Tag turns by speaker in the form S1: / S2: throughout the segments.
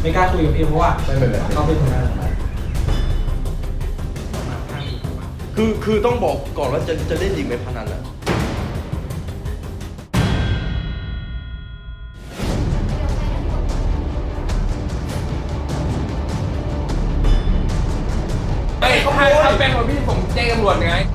S1: ไม่กล้าคุยกับพี่เพราะว่าเขาเป็นคนนั้น
S2: คือต้องบอกก่อนว่าจะเล่นจริงไหมพนันอ่ะ
S3: ถ้าเป็นของพี่ผมแจ้งตำรวจไง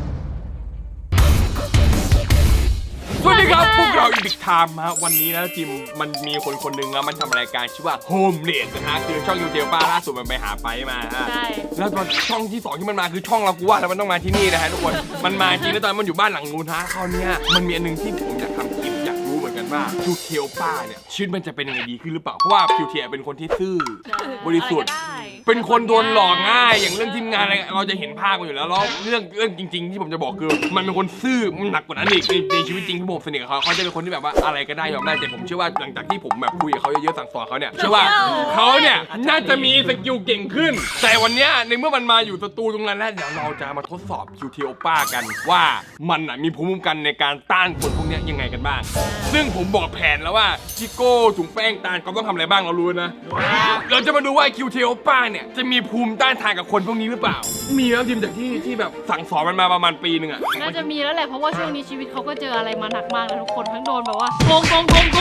S3: สวัสดีครับพวกเราอีดิกไทม์ฮะวันนี้นะทีมมันมีคนหนึ่งนะมันทำรายการชื่อว่าโฮมเลดนะฮะคือช่องยูเทลป้าล่าสุดมันไปหาไปมาฮะแล้วตอนช่องที่2ที่มันมาคือช่องเรากูว่าแล้วมันต้องมาที่นี่นะฮะทุกคนมันมาจริงแล้วตอนมันอยู่บ้านหลังนู้นฮะคราวนี้มันมีอันนึงที่ผมอยากทำคลิปอยากรู้เหมือนกันว่ายูเทลป้าเนี่ยชีวิตมันจะเป็นยังไงดีขึ้นหรือเปล่าเพราะว่าคิวเทลเป็นคนที่ซื่อบริสุทธิ์เป็นคนโดนหลอกง่ายอย่างเรื่องทีมงานอะไรเราจะเห็นภาพกันอยู่แล้วแล้วเรื่องจริงๆที่ผมจะบอกคือมันเป็นคนซื่อมันหนักกว่านั้นอีกในชีวิตจริงที่ผมสนิทกับเขาจะเป็นคนที่แบบว่าอะไรก็ได้ยอมได้แต่ผมเชื่อว่าหลังจากที่ผมแบบคุยกับเขาเยอะๆสั่งสอนเขาเนี่ยเชื่อว่าเขาเนี่ยน่าจะมีสกิลเก่งขึ้นแต่วันนี้ในเมื่อมันมาอยู่สตูตรงนั้นแล้วเดี๋ยวเราจะมาทดสอบคิวเทลป้ากันว่ามันมีภูมิคุ้มกันในการต้านคนพวกนี้ยังไงกันบ้างซึ่งผมบอกแผนแล้วว่าชิโก้ถุงแป้งตาลเขาต้องทำอะไรบ้างเรารู้นะเราจะมาดูว่าคิวเทลป้าเนี่ยจะมีภูมิต้านทานกับคนพวกนี้หรือเปล่ามีแล้วทีมจากที่แบบสั่งสอนมันมาประมาณปีนึงอะ
S4: น่าจะมีแล้วแหละเพราะว่าช่วงนี้ชีวิตเขาก็เจออะไรมาหนักมากนะทุกคนทั้งโดนแบบว่าโกงโดน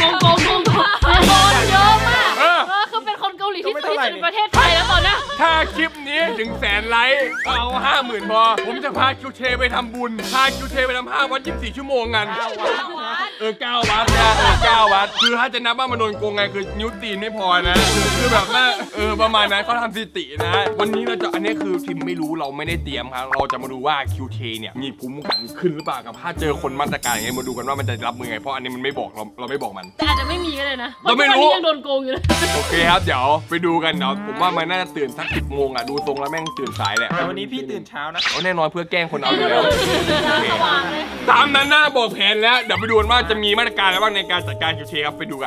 S4: เยอะมากคือเป็นคนเกาหลีที่สุดในประเทศไทยแล้วตอนนี้
S3: ถ้าคลิปนี้ถึง100,000 ไลค์เอา 50,000 พอผมจะพาคิวเทไปทำบุญพาคิวเทไปทำ5 วัน 24 ชั่วโมงกัน9 วัดนะ9 วัดคือถ้าจะนับว่ามันโดนโกงไงคือนิ้วตีนไม่พอนะคือแบบว่าประมาณนั้นเขาทำสถิตินะวันนี้เราจะอันนี้คือทีมไม่รู้เราไม่ได้เตรียมครับเราจะมาดูว่าคิวเทเนี่ยมีภูมิคุ้มกันขึ้นหรือเปล่ากับถ้าเจอคนมาตรการอย่างเงี้ยมาดูกันว่ามันจะรับมือไงเพราะอันนี้มันไม่บอกเราไม่บอกมัน
S4: แต่อาจจะไม่มีก็เลยนะ
S3: เราไม่รู้
S4: ยังโดนโกงอยู่เลย
S3: โอเคครับเดี๋ยวไปดูกันเนาะผมว่ามันน่าจะตื่นสัก10 โมงอ่ะดูตรงแล้วแม่งตื่นสายแหละ
S1: แต่วันนี้พี่ตื่นเช้านะ
S3: แน่นอนเพื่อแกล้งคนเอาอยู่แล้วตามนั้นนะบอกแผนแล้วเดี๋ยวไปดูกันว่าจะมีมาตรการอะไรบ้างในการจัดการคิวเทครับไปดูกัน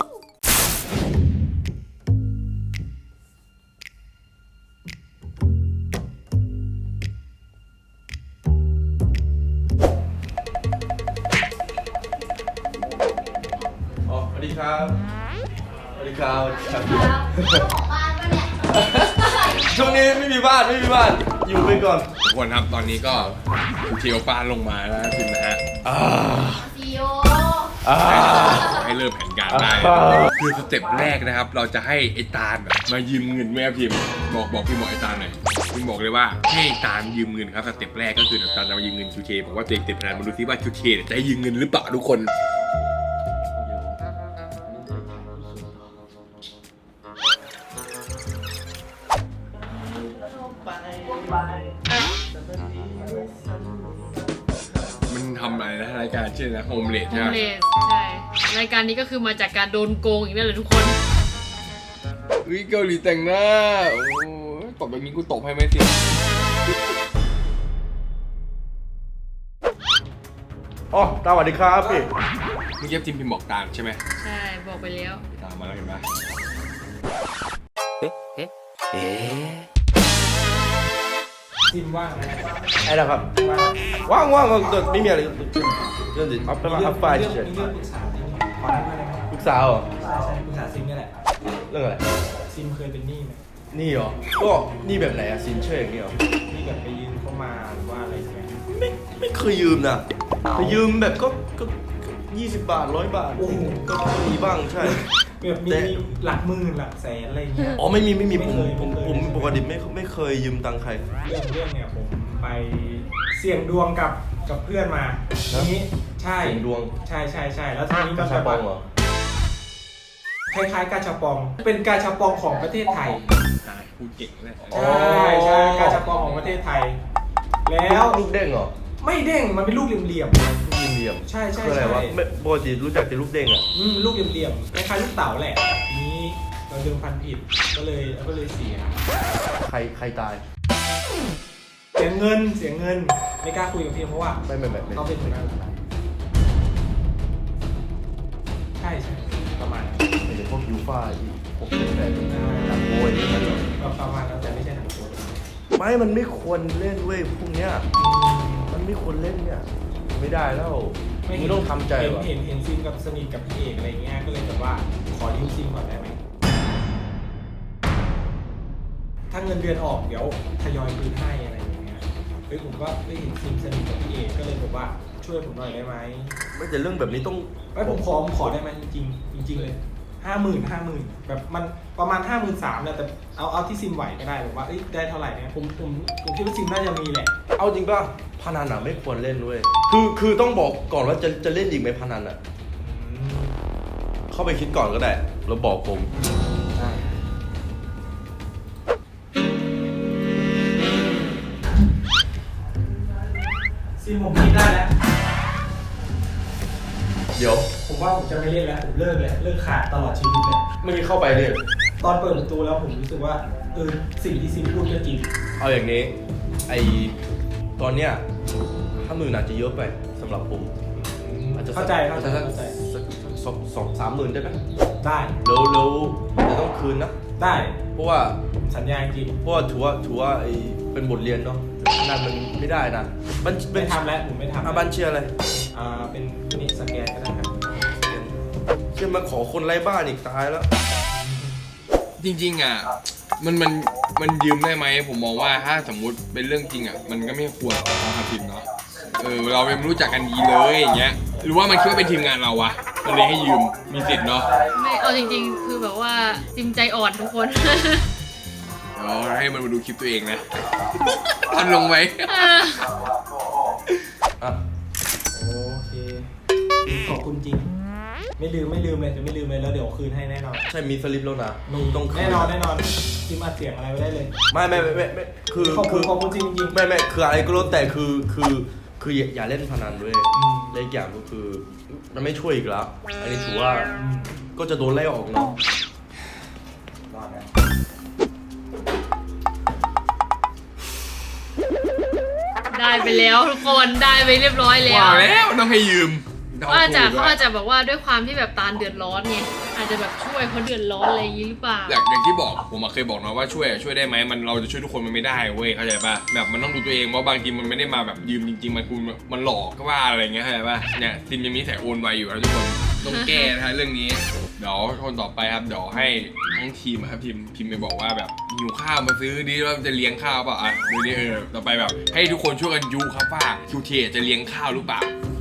S2: สวัสดีครับสวัสดีครับช่วงนี้ไม่มีบ้านอยู่ไปก่อน
S3: ทุกคนครับตอนนี้ก็คิวเทลปานลงมาแล้วพิมพ์นะฮะให้เริ่มแผนการได้คือสเต็ปแรกนะครับเราจะให้ไอ้ตาลมายืมเงินแม่พิมพ์บอกพี่หมอไอ้ตาลหน่อยพิมพ์บอกเลยว่าให้ตาลยืมเงินครับสเต็ปแรกก็คือตาลจะมายืมเงินคิวเทบอกว่าตัวเองติดพนันมาดูซิว่าคิวเทจะให้ยืมเงินหรือเปล่าทุกคนมันทำอะไรนะรายการชื่อนะโฮมเลดใช่ไหม
S4: ใช่รายการนี้ก็คือมาจากการโดนโกงอีกนั่นแหละทุกคน
S3: เกาหลีแต่งหน้าโอ้ตบแบบนี้กูตบให้ไหมสิ
S2: อ๋อสวัสดีครับพี่
S3: เมื่อกี้ทีมพิมพ์บอกตามใช่ไหม
S4: ใช่บอกไปแล้ว
S3: ตามมาแล้วเห็นไหม
S1: ซิมว่างนะ
S2: ไอ้นะครับว่างไม่มีอะไรเรื่องอัพไฟล์เฉยปรึกษาเหรอ
S1: ใช่ปรึกษาซิมนี่แหละ
S2: เรื่องอะไร
S1: ซิมเคยเป็นหนี้ไหม
S2: นี่เหรอก็นี่แบบไหนอะสินเชื่ออย่างเงี้ยเหรอ
S1: ที่แบบไปยืมเข้ามาหรือว่าอะไรเงี้ย
S2: ไม่เคยยืมนะไปยืมแบบก็20 บาท100 บาทก็มีบ้างใช่
S1: แบบมีหลักหมื่นหลักแสนอะไรเงี้ย
S2: อ๋อไม่มีผมปกติไม่เคยยืมตังค์ใคร
S1: เรื่องเนี่ยผมไปเสี่ยงดวงกับเพื่อนมาทีนี้ใช่
S2: เสี่ยงดวง
S1: ใช่แล้วทีนี้ก็
S2: กาชาปองเหรอ
S1: คล้ายๆกาชาปองเป็นกาชาปองของประเทศไทย
S3: พูดเก่งเลย
S1: ใช่กาชาปองของประเทศไทยแล้ว
S2: ลูกเด้งเหรอ
S1: ไม่เด้งมันเป็นลูกเหลี่ยมใช่
S2: คืออะไรวะปกติรู้จักแต่ลูกเด้งอ่ะ
S1: ลูกเหลี่ยมคล้ายๆลูกเต๋าแหละนี้เราดึงพันผิดก็เลยเสีย
S2: ใครตาย
S1: เสียเงินไม่กล้าคุยกับพี่เพราะว่า
S2: ไม่
S1: เขาเป็นคนนั้นใช่ประมาณ
S2: พวกยูฟ่าพวกแบบหนังโวยนี่มัน
S1: ประมาณนั้นแต่ไม่ใช่หนังโวย
S2: ไม่มันไม่ควรเล่นเว้ยพวกเนี้ยมันไม่ควรเล่นเนี่ยไม่ได้แล้วไม่ต้องทำใจว่ะ
S1: เห็นซิมกับสนิทกับพี่เอกอะไรเงี้ยก็เลยแบบว่าขอยืมซิมก่อนได้ไหมถ้าเงินเดือนออกเดี๋ยวทยอยคืนให้อะไรอย่างเงี้ยเฮ้ยผมก็ได้เห็นซิมสนิทกับพี่เอกก็เลยบอกว่าช่วยผมหน่อยได้ไหม
S2: ไม่แต่เรื่องแบบนี้ต้อง
S1: ไม่ผมขอได้ไหมจริงๆจริงๆเลย50,000แบบมันประมาณ53,000เนี่ยแต่เอาที่ซิมไหวก็ได้แบบว่าเอ้ยได้เท่าไหร่เนี่ยผมคิดว่าซิมน่าจะมีแหละ
S2: เอาจริงป่ะพนันอ่ะไม่ควรเล่นด้วยคือต้องบอกก่อนว่าจะเล่นอีกไหมพนันอ่ะเข้าไปคิดก่อนก็ได้แล้วบอกผม
S1: ซิมผมคิดได้แล้ว
S2: เดี๋ยว
S1: ผมว่าผมจะไม่เล่นแล้วผมเลิกเลยเลิกขาดตลอดชีวิตเลย
S2: ไม่มีเข้าไปเลย
S1: ตอนเปิดประตูแล้วผมรู้สึกว่าสิ่งที่ซิมพูดก็จริง
S2: เอาอย่างนี้ตอนเนี้ย50,000อาจจะเยอะไปสำหรับผมอาจจะ
S1: เข้าใจ
S2: สัก2-3 หมื่นได้ไหม
S1: ได้
S2: แล้วจะต้องคืนนะ
S1: ได้
S2: เพราะว่า
S1: สัญญาจริง
S2: เพราะว่าถือว่าเป็นบทเรียนเนาะนั่นมันไม่ได้นะบัญ
S1: ไม่ทำแล้วผมไม่ทำ
S2: บัญเชียร์อะไร
S1: เป็นนี่สแกนก็ได้ครับ
S2: เชื่อมาขอคนไร้บ้านอีกตายแล้ว
S3: จริงๆอ่ะมันยืมได้ไหมผมมองว่าถ้าสมมุติเป็นเรื่องจริงอ่ะมันก็ไม่ควรเอาพิมพ์เนาะเราไม่รู้จักกันดีเลยอย่างเงี้ยหรือว่ามันคิดว่าเป็นทีมงานเราวะมันเลยให้ยืมมีสิทธิ์เนาะ
S4: ไม่เอาจริงๆ คือแบบว่าซิมใจอ่อนทุกคน
S3: เดี๋ยวให้มันมาดูคลิปตัวเองนะทันลงไหม
S2: อ่ะ
S1: โอเคขอบคุณจริง ไม่ลืมเลยจะไม่ลืมเลยแล้วเดี๋ยวคืนให้แน่นอน
S2: ใช่มีสลิปแล้วนะ
S1: มี
S2: ต้องคืน
S1: แน่นอนซิมอัดเสียงอะไรไว้ได้เลย
S2: ไม่คือ
S1: ขอบคุณจริง
S2: ไม่คืออะไรก็แล้วแต่คืออย่าเล่นพนันด้วยและอีกอย่างก็คือมันไม่ช่วยอีกแล้ว อันนี้ถือว่าก็จะโดนไล่ออกเนาะ
S1: รอดแล้ว
S4: ได้ไปแล้วทุกคนได้ไปเรียบร้อยแล้ว
S3: ว่าแล้วต้องให้ยืม
S4: เขาอาจจะแบบว่าด้วยความที่แบบตาลเดือดร้อนไงอาจจะแบบช่วยเขาเดือดร้อนอะไรอย่างนี้หรือเปล่า
S3: อย่างที่บอกผมเคยบอกนะว่าช่วยได้ไหมเราจะช่วยทุกคนมันไม่ได้เว้ยเข้าใจป่ะแบบมันต้องดูตัวเองว่าบางทีมันไม่ได้มาแบบยืมจริงๆมันหลอกก็ว่าอะไรเงี้ยเข้าใจป่ะเนี่ยซิมยังมีใส่โอนไวอยู่นะทุกคนต้องแก้นะเรื่องนี้เดี๋ยวคนต่อไปครับเดี๋ยวให้ทั้งทีมครับพิมพ์ไปบอกว่าแบบหิวข้าวมาซื้อดิว่าจะเลี้ยงข้าวเปล่าดูดิต่อไปแบบให้ทุกคนช่วยกันยุครับว่าคิวเทจะเลี้ยงข้าวหรือเปล่า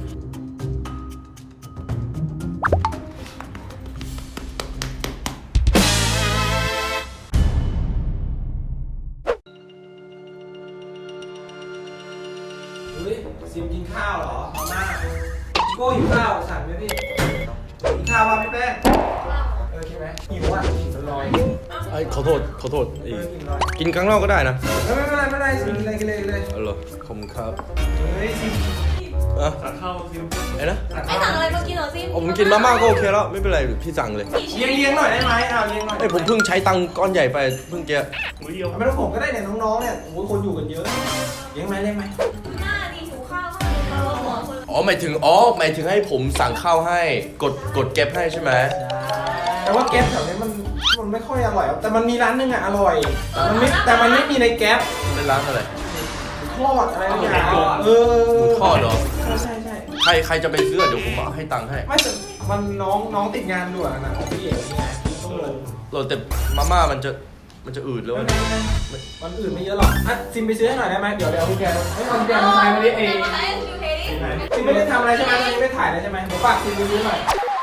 S1: ซิมกินข้าวเหรอมาม่าโก้หิวข้าวสั่งไหมพี่กินข้าวป่ะพี่แป้งใช่ไหมหิวอ่ะหิวลอย
S2: ขอโทษ
S1: กินลอย
S2: กินข้างนอกก็ได้นะ
S1: ไม่เป็นไรซิมกินเลย
S2: เอาเหรอขอบคุณครับ
S1: เฮ้ยซิม
S2: อ่ะ
S1: สั่งข้าวซิม
S2: ไอ้นะ
S5: ไม่สั่งอะไรมากินเหรอซิม
S2: ผมกินมาม่าก็โอเคแล้วไม่เป็นไรพี่สั่งเลย
S1: เลี้ยงหน่อยได้ไหมเลี้ยงหน่อย
S2: ไอ้ผมเพิ่งใช้ตังค์ก้อนใหญ่ไปเพิ่งจะ
S1: ไม่ต้องผมก็ได้เนี่ยน้องๆเนี่ยโอ้ยคนอยู่กันเยอะเลี้ยงไหม
S5: หน้าดีถูข้าวมากเลยเราหัวคน
S2: หมายถึงให้ผมสั่งข้าวให้กดเก็บให้ใช่ไหม
S1: แต่ว่าแก๊ปแถวนี้มันไม่ค่อยอร่อยแต่มันมีร้านนึงอ่ะอร่อยแต่มันไม่มีในแก๊ป
S2: เป็นร้านอะไร
S1: ทอดอะไรอย่างเงี้ย
S2: หมูทอดเหรอ
S1: ใช่
S2: ใครจะไปซื้อเดี๋ยวผมเอาให้ตังค์ให้
S1: ไม่แต่มันน้องติดงานด่วนนะพี่เอกนี่ไงต้องลง
S2: เราแต่มาม่ามันจะอืดแล้วนะ
S1: มันอื่นไม่เยอะหรอกซิมไปซื้อให้หน่อยได้ไหมเดี๋ยวพี่แกให้มันแกมาทายมาดิเอง
S5: ใช้คิวเทดิ
S1: ซิมไม่ได้ทำอะไรใช่ไหมตอนนี้ไม่ถ่ายเลยใช่ไหมเดี๋ยวฝากซิมไปซื้อหน่อย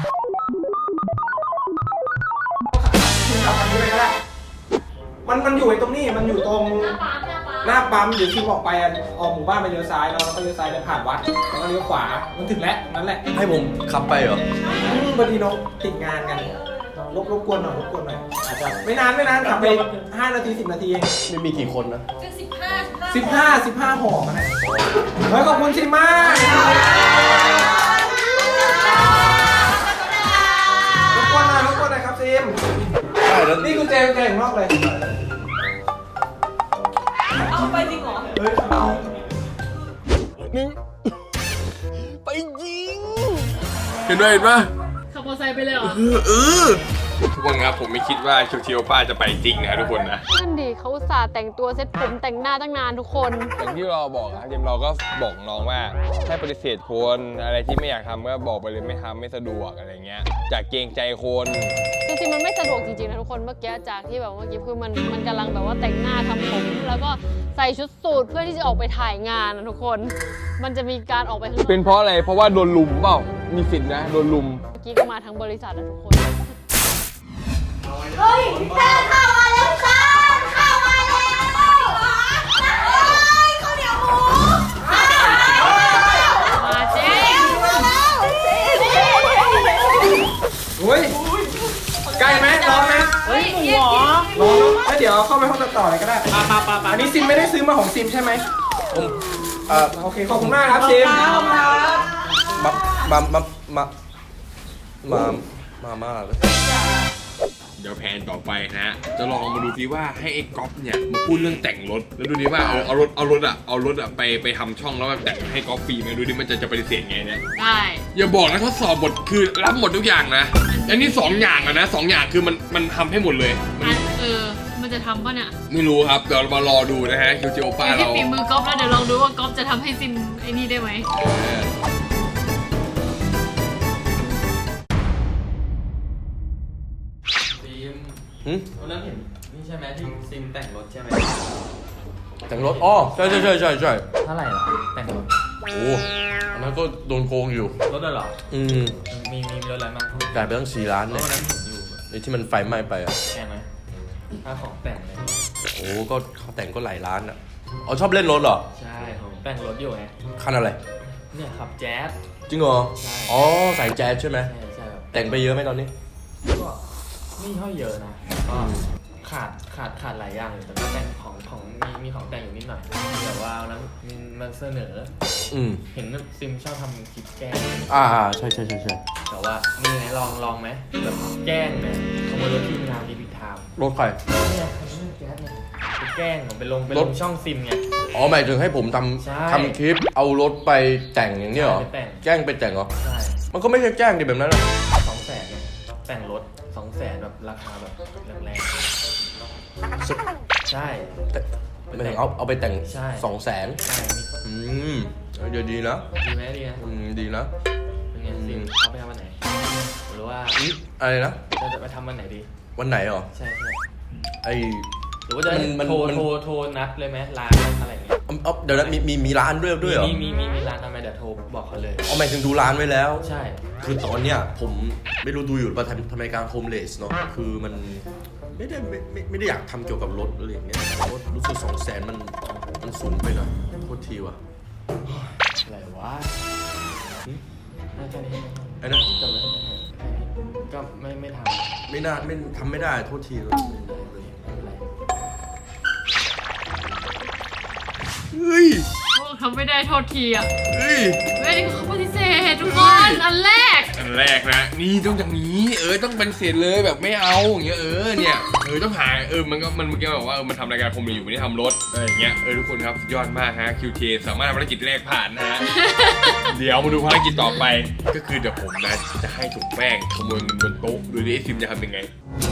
S1: ซิมขับคันนี้ไปก็ได้มันอยู่ไอ้ตรงนี้มันอยู่ตรง หน้าปั๊มเดี๋ยวซิมออกไปออกหมู่บ้านไปเลี้ยวซ้ายแล้วก็เลี้ยวซ้ายไปผ่านวัดแล้วก็เลี้ยวขวามันถึงแล้วนั่นแหละ
S2: ให้ผมขับไปเหรอ
S1: พอดีน้องติดงานกันรบกวนหน่อยอาจจะไม่นานขับไป5 นาที 10 นาทีเอง
S2: ไม่มีกี่คนนะ
S5: เป็น15
S1: 15ห่อมานะเฮ้ยขอบคุณซิมมากรบกวนหน่อยครับซิม
S2: ใช่แล้ว
S1: นี่กุญแจของนอกเลย
S5: เอาไปจริงเหรอ
S1: เฮ้ย
S3: ไปยิงเห็นปะ
S4: ขับมอเตอร์ไซค์ไปเลยเหรอ
S3: เออกคนครับผมไม่คิดว่าเชียวป้าจะไปจริงนะทุกคนนะ
S4: นั่นดิเขาอุตส่าห์แต่งตัวเซ็ตผมแต่งหน้าตั้งนานทุกคน
S3: อย่างที่เราบอกนะทีมเราก็บอกน้องว่าให้ปฏิเสธคนอะไรที่ไม่อยากทำก็บอกไปเลยไม่ทำไม่สะดวกอะไรเงี้ยจากเกรงใจคน
S4: จริงๆมันไม่สะดวกจริงๆนะทุกคนเมื่อกี้จากที่แบบเมื่อกี้คือมันกำลังแบบว่าแต่งหน้าทำผมแล้วก็ใส่ชุดสูทเพื่อที่จะออกไปถ่ายงานนะทุกคน มันจะมีการออกไปข้างนอก
S3: เป็นเพราะอะไรเพราะว่าโดนลุมเปล่ามีสิทธินะโดนลุม
S4: เมื่อกี้ก็มาทั้งบริษัทนะทุกคน
S5: เฮ้ยข้าวมาแล้วค่ะข้าวมาแล้วข้าวเหนียวหมู
S4: มาเจ๊
S1: เฮ้ยใกล้ไหมร้อนไหม
S4: เฮ้ยหมูหรอ
S1: ร้อนแล้วเดี๋ยวเข้าไปห้องตัดต่อเลยก็ได้อันนี้ซิมไม่ได้ซื้อมาของซิมใช่ไหม
S2: ผม
S1: โอเคขอบคุณมากครับซิม
S2: มาเลย
S3: เดี๋ยวแผนต่อไปนะจะลองมาดูซิว่าให้ไอ้ก๊อฟเนี่ยมาพูดเรื่องแต่งรถแล้วดูดิว่าเอารถอะไปทำช่องแล้วแบบแต่งให้ก๊อฟฟรีไหมดูดิมันจะปฏิเสธไงเนี่ย
S4: ได้
S3: อย่าบอกนะทดสอบหมดคือรับหมดทุกอย่างนะอันนี้2อย่างอะนะ2อย่างคือมันทำให้หมดเลย
S4: มันจะทำป่ะเนี่ย
S3: ไม่รู้ครับเดี๋ยวเรามารอดูนะฮะคิวจิโอป้า
S4: ที่
S3: เรา
S4: ฝีมือก๊อฟแล้วเดี๋ยวลองดูว่าก๊อฟจะทำให้ซินไอ้นี่ได้ไหม
S6: วันนั้นเห็นนี่ใช่ไหมที่ซิมแต่งรถใช่ไหม
S2: แต่งรถอ๋อใช่
S6: เท่าไหร่เหรอแต่งรถ
S2: โอ้อันนั้นก็โดนโกงอยู่
S6: รถได้เหรอ มีรถอะไรบ้าง
S2: จ่ายไปตั้ง4 ล้าน
S6: ร
S2: เนี่
S6: ถ
S2: ย
S6: วันนั้นผมอยู่
S2: ไอ้ที่มันไฟไหม้ไปอ่ะ
S6: แพงไหมค่าของแต่งเลย
S2: โอ้ก็เขาแต่งก็หลายล้านอ่ะอ๋อชอบเล่นรถเหรอ
S6: ใช่ผมแต่งรถอยู่ไง
S2: คันอะไร
S6: เนี่ยขับแจ๊ส
S2: จริงเหรอ
S6: ใช่
S2: อ๋อใส่แจ๊สใช่ไหม
S6: ใช่แบบ
S2: แต่งไปเยอะไหมตอนนี้
S6: ก็ไม่ค่อยเยอะนะก็ขาดหลายอย่างอยู่แต่ก็แต่งของมีของแต่งอยู่นิดหน่อยแต่ว่าวันนั้นมันเสนอ เห็นซิมชอบทำคลิปแกล้ง
S2: ใช่
S6: แต่ว่ามีไงลองไหมแบบแกล้งเนี่ยขโมยรถทีมงานดีพิทาม
S2: รถใคร
S6: เนี่ยคันนี้แจ๊สเนี่ยไปแกล้งผมไปลงช่องซิมไง
S2: อ๋อหมายถึงให้ผม
S6: ใช่
S2: ทำคลิปเอารถไปแต่งอย่างนี้เหรอ
S6: ไปแต่ง
S2: แกล้งไปแต่งเหรอ
S6: ใช่
S2: มันก็ไม่ใช่แกล้งดิแบบนั้นหรอก
S6: 200,000ไงแต่งรถ200,000แบบราคาแบบแรงๆใช่
S2: หมายถึงเอาไปแต่ง
S6: ใช่
S2: 200,000
S6: ใช่มี
S2: เดี๋ยวดีนะ
S6: ดีไหมดีนะ
S2: ดีนะ
S6: เป็นไงซิมเอาไปทำวันไหนหรือว่า
S2: อะไรนะ
S6: จะไปทำวันไหนดี
S2: วันไหนเหรอ
S6: ใช่
S2: ไอ
S6: หรือว่าจะ
S2: มัน
S6: โทรนัดเลยไหมร้านอะไรอย่างเงี้ย
S2: เดี๋ยวนะมีร้านด้วยเหรอ
S6: มีร้านทำไมเดี๋ยวโทรบอกเขาเลย
S2: หมายถึงดูร้านไว้แล้ว
S6: ใช่
S2: คือตอนเนี้ยผมไม่รู้ดูอยู่ป่ะทำรายการโฮมเลสเนาะคือมันไม่ได้อยากทำเกี่ยวกับรถอะไรอย่างเงี้ยรถรู้สึก200,000มันสูงไปหน่อยโทษทีว่ะ
S6: อะไรวะน่าจะนี้
S2: ไอ้นะ
S6: จบแล้วก็ไม่ทำ
S2: ไม่น่าไม่ทำไม่ได้โทษทีเลยเฮ้ย
S4: ทำไม่ได้โทษทีอ่ะ
S2: เฮ้ย
S4: เฮ้ยนี่คือเขาปฏิเสธทุกคนอันแรก
S3: อันแรกนะนี่ต้องอย่างนี้ต้องเป็นเศษเลยแบบไม่เอาอย่างเงี้ยเนี่ยต้องหามันเมื่อกี้บอกว่ามันทำรายการผมอยู่ไม่ได้ทำรถอะไรอย่างเงี้ยทุกคนครับสุดยอดมากฮะ QT สามารถภารกิจแรกผ่านนะฮะ เดี๋ยวมาดูภารกิจต่อไปก็คือเดี๋ยวผมนะจะให้ถุงแป้งขโมยเงินบนโต๊ะโดยที่ไอซิมจะทำยังไง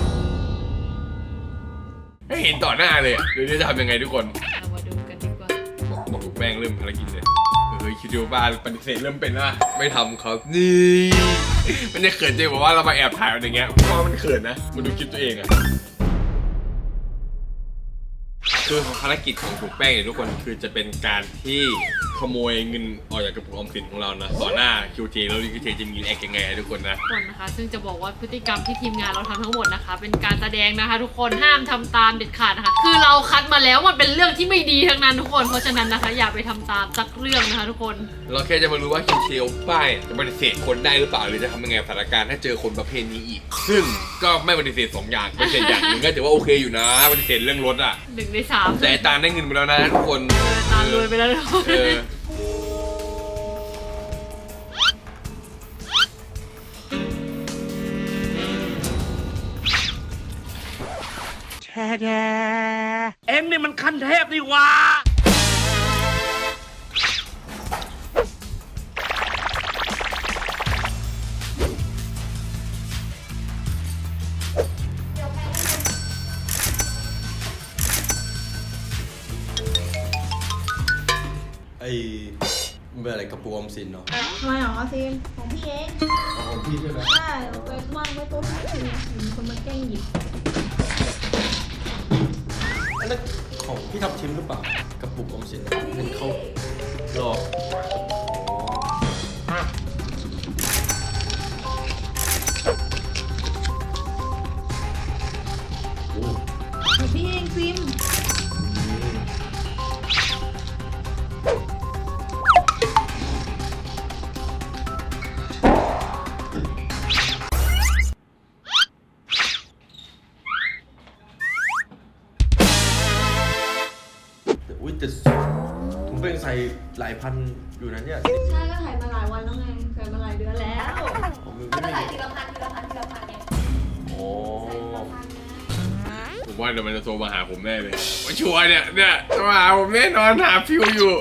S3: ให้เห็นต่อหน้าเลยโดยที่จะทำยังไงทุกคน
S4: เรามาดูกันดีกว่า
S3: บอกถุงแป้งเริ่มภารกิจเลยคิดดูบ้านปฏิเสธเริ่มเป็นว่าไม่ทำครับนี่มันจะเขินใจบอกว่าเรามาแอบถ่ายอะไรเงี้ยเพราะว่ามันเขินนะมาดูคลิปตัวเองอะคือภารกิจของถุงแป้งเนี่ยทุกคนคือจะเป็นการที่ขโมยเงินออกจากกระปุกออมสินของเรานะต่อหน้า QT แล้วQT จะมีแอคยังไงทุกคนนะ
S4: คนนะคะซึ่งจะบอกว่าพฤติกรรมที่ทีมงานเราทำทั้งหมดนะคะ เป็นการแสดงนะคะ ทุกคนห้ามทำตามเด็ดขาดนะคะคือเราคัดมาแล้วมันเป็นเรื่องที่ไม่ดีทั้งนั้นทุกคนเพราะฉะนั้นนะคะอย่าไปทำตามสักเรื่องนะคะทุกคน
S3: เราแค่จะมารู้ว่าQTป้ายจะปฏิเสธคนได้หรือเปล่าหรือจะทำยังไงสถานการณ์ถ้าเจอคนประเภทนี้อีกซึ่งก็ไม่ปฏิเสธ2อย่างปฏิเสธอย่างหนึ่งก็ถือว่าโอเคอยู่นะปฏิเสธเรื่องรถอะ
S4: 1 ใน 3
S3: แต่ตาได้เงินไปแล้วนะทุกคน
S4: ตามรวยไปแล้วทุกคน
S7: เอ็งนี่มันขั้นเทพนี่หว่า
S2: ไอ้มันเป็นอะไรกระปุกออมสินเนาะ
S5: ทำไมเหรอซิมของพี่เอง
S2: ของพี่ใช่ไหม
S5: ใช่เอาไปวางไว้โต๊ะพี่มีคนมาแกล้งหยิบ
S2: อันนั้นของพี่ทับทิมหรือเปล่ากระปุกออมสินเห็นเขาหรอโอ้
S5: ของพี่เองซิม
S2: อุ้ยแต่ถุงเป้งใส่หลายพันอยู่นะเนี่ย
S5: ใช่ก็ถ่ายมาหลายวันแล้วไงถ่ายมาหลายเดือนแล้ว
S2: ผมมือ
S5: ก็
S2: ไม่
S5: ถ่าย
S2: มี
S5: ทีละพันเนี่ย
S2: โอ้
S3: ผมว่าเดี๋ยวมันจะโทรมาหาผมแน่เลยว่าชัวร์เนี่ยโทรมาหาผมแน่นอนหาฟิวอยู่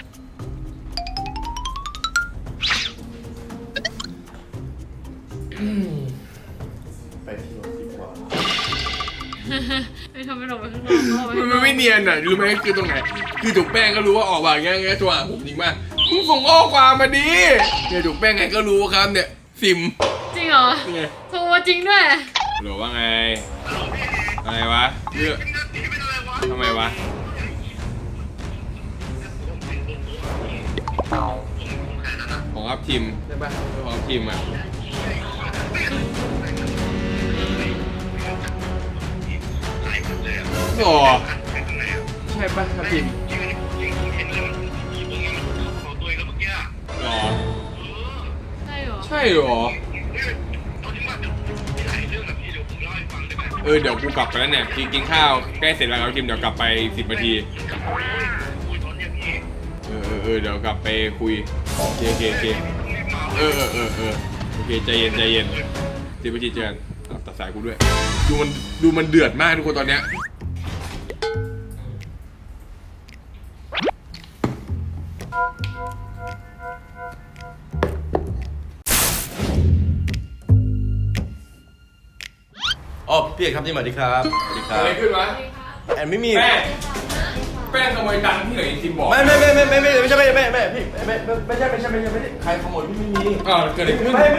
S2: ไปที่รถดีกว่า
S4: ไม่ทำให้เราไปข้างนอกเอาไปข้างน
S3: มั
S4: อน ก
S3: ไม่เนียนอ่ะรู้ไหมคือตรงไหน คือจุกแป้งก็รู้ว่าออกมาอย่างเงี้ยโทรหาผมจริงป่ะมึงส่งข้อความมาดิเนี่ยจุกแป้งไงก็รู้ครับเนี่ยซิม
S4: จริงเหรอ
S3: นี่ไง
S4: โทรมาจริงด้วย
S3: หรือว่าไงอะไรวะเรื่องทำไมวะของอัพทีมใช่ป่ะของอัพทีมอ่ะโอ้ใช่ป่ะอัพทีมหรอ
S4: ใช่เหรอ
S3: ใช่หรอเดี๋ยวกูกลับไปแล้วเนี่ยกินข้าวใกล้เสร็จแล้วครับทีมเดี๋ยวกลับไป10 นาทีเดี๋ยวกลับไปคุยโอเคโอเคโอเคใจเย็น10 นาทีเจอกันตัดสายกูด้วยดูมันเดือดมากทุกคนตอนเนี้ย
S2: อ๋อพี่เอกครับนี่สวัสดีครับสวัสดีครับ
S3: อะไรขึ้นวะ
S2: แอนไม่มี
S3: แป้งขโมยตังค์ที่ไหนทีมบอก
S2: ไม่ใช่พี่ไม่ใช่ใครขโมยพี่ไม่มี
S3: เกิดอะไรขึ้น
S2: ไม่มี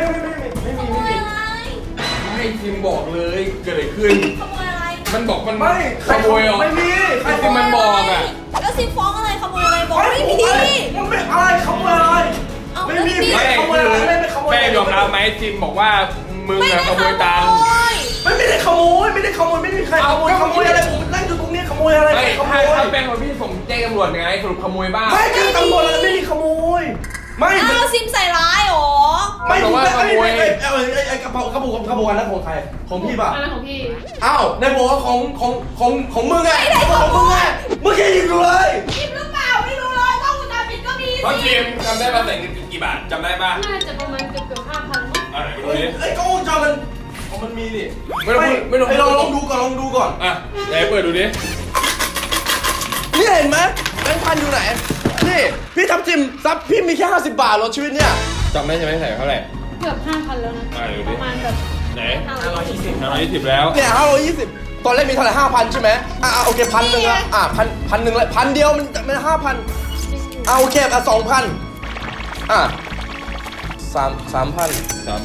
S3: ไม่ทีมบอกเลยเกิดอะไรขึ้น
S5: ขโมยอะไร
S3: มันบอกมัน
S2: ไม่
S3: ขโมยเหรอ
S2: ไม่มี
S3: ใครทีมมันบอกอ่ะ
S5: แล้วซิมฟ้องอะไรขโมยอะไรบอกไม่มี
S2: มันไม่อะไรขโมยอะไร
S5: เอา
S2: ไม่
S5: แล้ว
S2: มี
S5: พี่
S2: ขโมยอะไรไม่ขโมย
S3: แป้งยอมรับไหมทีมบอกว่ามึง
S5: ไม่
S3: อะ
S5: ได้
S3: ขโมยตังค์
S2: ไม่ได้ขโมยไม่มีใครขโมยอะไรผมนั่งอยู่ตรงนี้ขโมยอะไร
S3: ไม่
S2: ขโม
S3: ถ้าย แป้งมาพี่ส่งแจ้งตำรวจไงสรุปขโมยบ้าง
S2: ไม่แจ้งตำรวจอะไรไม่มีขโมยไม่
S5: อ้าวซิมใส่ร้ายเหรอ
S2: ไม่ถูกไอ้กระเป๋ากระปุกนั้นของใครของพี่ป่ะ
S4: อะไรของพี่
S2: อ้าวในบอกว่าของมึงไงของมึงไงมึงแค่ยิงกูเลย
S5: ซิมหรือเปล่าไม่รู้เลยต้องวงจรปิดก็มี
S3: เพราะ
S5: สิ
S3: ทีมจำได้ป่ะใส่เงินกี่บาทจำได้ป่ะ
S4: น่าจะประมาณเกือบ5,000มั้ง
S3: อะไรไม่รู้ดิ
S2: ไอ้กล้องวงจรมันมีนี่
S3: ไม่ต้อง
S2: ไอ้ลองดูก่อน
S3: อ่ะไหนเปิดดูดิ
S2: นี่เห็นไหมแบงค์พันอยู่ไหนนี่พี่ทับทิมซับพี่มีแค่50 บาทรถชีวิตเนี่ย
S3: จำได้ใช่ไหมใส่เท่าไหร่
S4: เกือบ5,000แล้วนะ
S3: เดี๋ยว
S4: ป
S3: ดิ
S4: ระมาณแบบ
S3: ไหน
S4: 520
S3: แล้ว
S2: เนี่ย520ตอนแรกมีเท่าไหร่5,000ใช่ไหมโอเค1,000นึงละพันหนึ่งละ1,000เดียวมัน5,000โอเค2,0003,000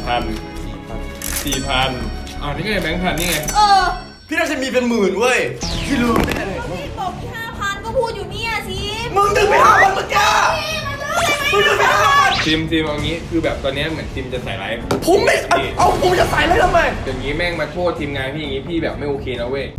S3: 4,000อ้าวนี่ไงแบงค์พันนี่ไง
S2: พี่น่าจะมีเป็นหมื่นเว้ยพี่ลืมไม่ได้
S5: พี่บอกมี5,000ก็พูดอยู่เนี่ยซิม
S2: มึงดึงไป5,000เมื่อกี้มึงดึงไป5,000
S3: ทีมเอางี้คือแบบตอนนี้เหมือนทีมจะใส่ร้าย
S2: ผมไม่เอาผมจะใส่เลยทำไม
S3: อย่างนี้แม่งมาโทษทีมงานพี่อย่างนี้พี่แบบไม่โอเคนะเว้ย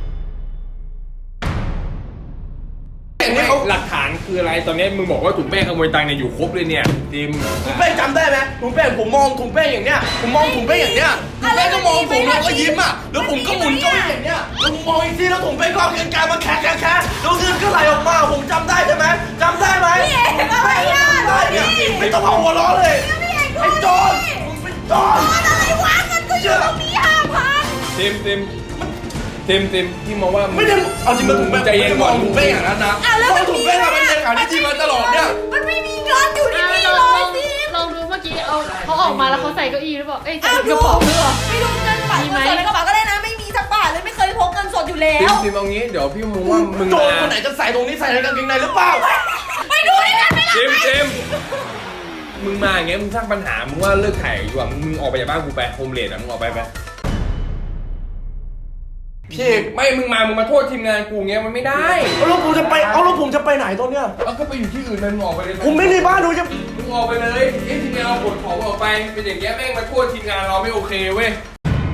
S3: หลักฐานคืออะไรตอนนี้มึงบอกว่าถุงแป้งขโมยตังค์เนี่ยอยู่ครบเลยเนี่ยทีม
S2: ถุงแป้งจำได้ไหมถุงแป้งผมมองถุงแป้งอย่างเนี้ยผมมองถุงแป้งอย่างเนี้ยถุงแป้งก็มองผมแล้วก็ยิ้มแล้วผมก็หมุนเก้าอี้อย่างเนี้ยแล้วผมมองอีกทีแล้วถุงแป้งก็เอาเงินกายมาแคะแล้วเงินก็ไหลออกมาผมจำได้ใช่ไหมจำได้ไหม
S5: พี่เอกอะไรอ่ะ
S2: ได้เนี่ยไม่ต้องเอาหัวล้อเลยไอ้โจรมึงเป็นโจร
S5: อะไรวะเงินก็อยู่ตรงนี้5,000
S3: ทีมที่มองว่า
S2: ไม่ได้เอาจริงมาถุงแป้ง
S3: ใจเย็นก่อน
S2: ถุงแป้งอย่างนั้นนะถุงแป้งมันเป็นอย่างนี้ที่มาตลอดเนี่ย
S5: มันไม่มีเงินอยู่ในนี้
S4: ล
S5: เล
S4: อง
S5: ยซิม
S4: ลองดูเมื่อกี้เขาออกมาแล้วเขาใส่เก้าอี้หรือเปล่าเอ้ยใส่กระเป๋าหรือเปล่า
S5: ไม่รู้เงินฝากเงินสดในกระเป๋าก็ได้นะไม่มีสักบาทเลยไม่เคยพกเงินสดอยู่แล้ว
S3: ทีมเอางี้เดี๋ยวพี่มองว่ามึง
S2: โจรคนไหนจะใส่ตรงนี้ใส่ในกางเกงในหรือเปล่า
S5: ไปดูในนั้นไหม
S3: เจมส์มึงมาอย่างเงี้ยมึงสร้างปัญหามึงว่าเลิกถ่ายดีกว่ามึงออกไปจากบ้านกูไปโฮมเลดอ่ะมึงออกไปพี่เอกไม่มึงมาโทษทีมงานกูเงี้ยมันไม่ได้
S2: เอาแล้วผมจะไปไหนตอนเนี้ย
S3: เอาก็ไปอยู่ที่อื่นมึงออกไปเลย
S2: ผมไม่ในบ้านดูจะ
S3: มึงออกไปเลยทีมงานเอาขนของออกไปเป็นอย่างเงี้ยแม่งมาโทษทีมงานเราไม่โอเคเว้ย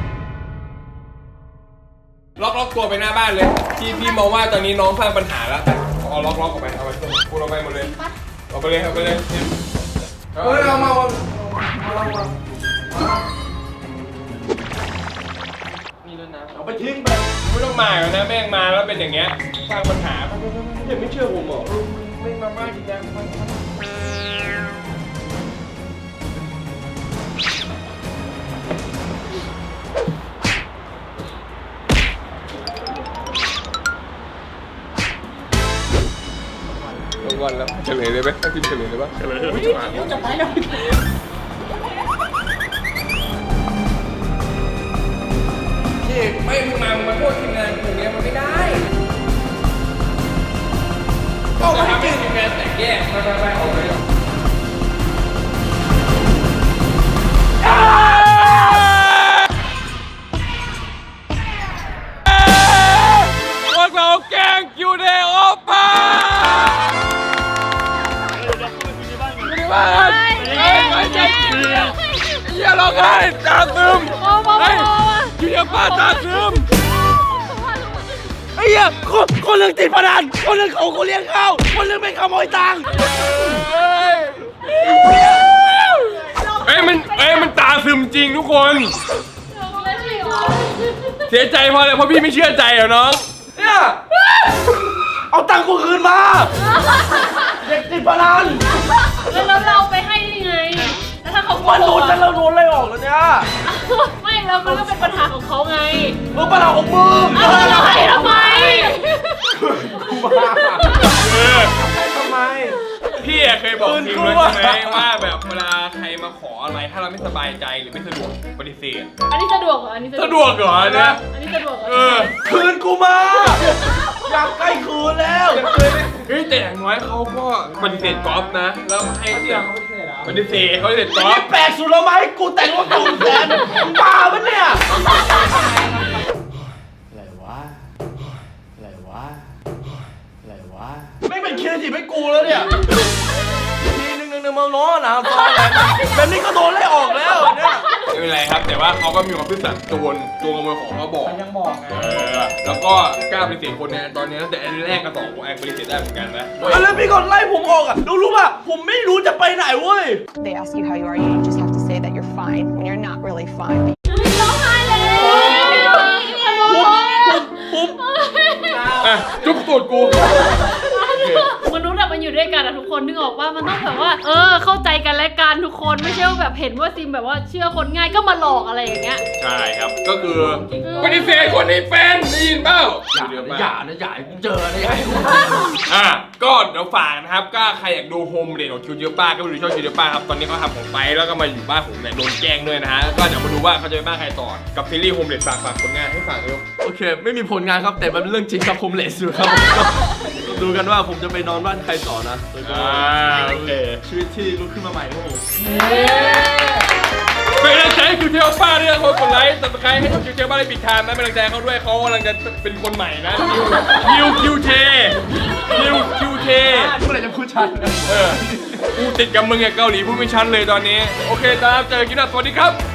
S3: ล็อกตัวไปหน้าบ้านเลยพี่มองว่าตอนนี้น้องสร้างปัญหาแล้วเอาล็อกออกไปเอาไปกูเอาไปหมดเลยเอาไปเลยเอามา
S6: มีด้วยนะ
S2: เอาไปทิ้งไป
S3: ไม่ต้องมาแล้วนะแม่งมาแล้วเป็นอย่างเงี้ยสร้างปัญหายังไม่เชื่อผมเหรอไม่มาบ้านจริงจังวันแล้วเฉลยเลยไหมให้พิมพ์เฉลยเลยปะเฉลยจะไปแล้วพี่ไม่มึงมาโทษทีมงานอย่างเงี้ยมันไม่ได้ต้องมาให้ทีมงานแต่แยกไปออกไปพวกเราแกล้งคิวเดโอป้าบ้านไม่ใช่อย่าร้องไห้ตาซึมเฮ้ยอยู่อย่าป้าตาซึมไอ้เหี้ยคนเรื่องติดพนันคนเรื่องของกูเลี้ยงข้าวคนเรื่องไม่ขโมยตังค์มันตาซึมจริงทุกคนเสียใจเพราะอะไรเพราะพี่ไม่เชื่อใจเหรอน้องเนี่ย
S2: เอาตังค์กูคืนมาเด็กติดพนัน
S4: แล้วเราไปให้ได้ไงแล้วถ้าเขาโก
S2: มัน
S4: ห
S2: โด
S4: ก
S2: นแล้วโดนไล่ออกแล้วเนี่ย
S4: ไม่แล้วมันก็เป็นปัญหาของเขาไง
S2: ปัญหาของมึง
S4: เราให้ทำไม
S2: ทำไม
S3: พี่เคยบอกทีมเลยใช่ไหมว่าแบบเวลาใครมาขออะไรถ้าเราไม่สบายใจหรือไม่สะดวกปฏิเสธ
S4: อันนี้สะดวกเหรออันนี้
S3: สะดวกเหรอเนี่ย
S4: อันนี้สะดวกเหรอ
S2: คืนกูมา อยากใกล้คืนแล้ว
S3: เฮ้ยแต่อย่างน้อยเขาก็ปฏิเสธกอล์ฟนะแล้วให้เสียง
S1: เขาไม่ใช่เหรอ
S3: ปฏิเสธเขาปฏิเสธกอล์
S2: นี่
S3: ฟ
S2: แปลกสุดแล้วไหมกูแต่งรถตูนแสนมึงบ้าปะเนี่ย ไม่เป็นคิดสิไม่กูแล้วเนี่ยทีนึงมาล้อหนาซอยแบบนี้ก็โดนไล่ออกแล้วเนี่ย
S3: ไม่เป็นไรครับแต่ว่าเขาก็มีความซื่อสัตย์ตัวขโมยของเขาบอก
S1: ยังบอกไง
S3: แล้วก็กล้าปฏิเสธคนเนี่ยตอนนี้ตั้งแต่อันแรกกับสองแอบปฏิเสธได้เหมือนกันนะ
S2: แล้วพี่ก่อนไล่ผมออกอ่ะรู้ป่ะผมไม่รู้จะไปไหนเว้ย
S8: They ask you how you are, you just have to say that you're fine when you're not really fine.
S4: ร้องไห้เลย
S2: ผม
S3: อ่ะจุ๊บตูดกู
S4: มนุษย์อะมันอยู่ด้วยกันอะทุกคนนึกออกว่ามันต้องแบบว่าเข้าใจกันและกันทุกคนไม่ใช่ว่าแบบเห็นว่าซิมแบบว่าเชื่อคนง่ายก็มาหลอกอะไรอย่างเงี้ย
S3: ใช่ครับก็คือปฏิเสธคนนี้เป็นได้ยินเปล่า
S2: อย่ากูเจอนะอย่า
S3: ก็เดี๋ยวฝากนะครับก็ใครอยากดูโฮมเดทของคิวเจอป้าก็ไปดูช่องคิวเจอป้าครับตอนนี้เขาทำของไปแล้วก็มาอยู่บ้านผมเนี่ยโดนแกล้งด้วยนะฮะก็เดี๋ยวมาดูว่าเขาจะไปบ้านใครต่อกับซีรีส์โฮมเดทฝากผลงานให้ฝากเร็ว
S2: โอเคไม่มีผลงานครับแต่มันเป็นเรื่องจริงครับผมเลสอยู่ครับดูกันว่าผมจะไปนอนบ้านใครต่อนะแล้วก็
S3: โอเค
S2: ชีวิตที่ลุกขึ้นมาใหม่ครับผม
S3: เป็นกำลังใจให้คิวเจอป้าด้วยนะคนกดไลค์ซับสไครต์ให้คิวเจอป้าได้ปิดทางนะเป็นกำลังใจเขาด้วยเขากำลังจะเป็นคนใหม่นะคิวเทเมื่อไหร่จะพูดชัดกูติดกับมึงไงเกาหลีพูดไม่ชัดเลยตอนนี้โอเคครับเจอกันคลิปหน้าสวัสดีครับ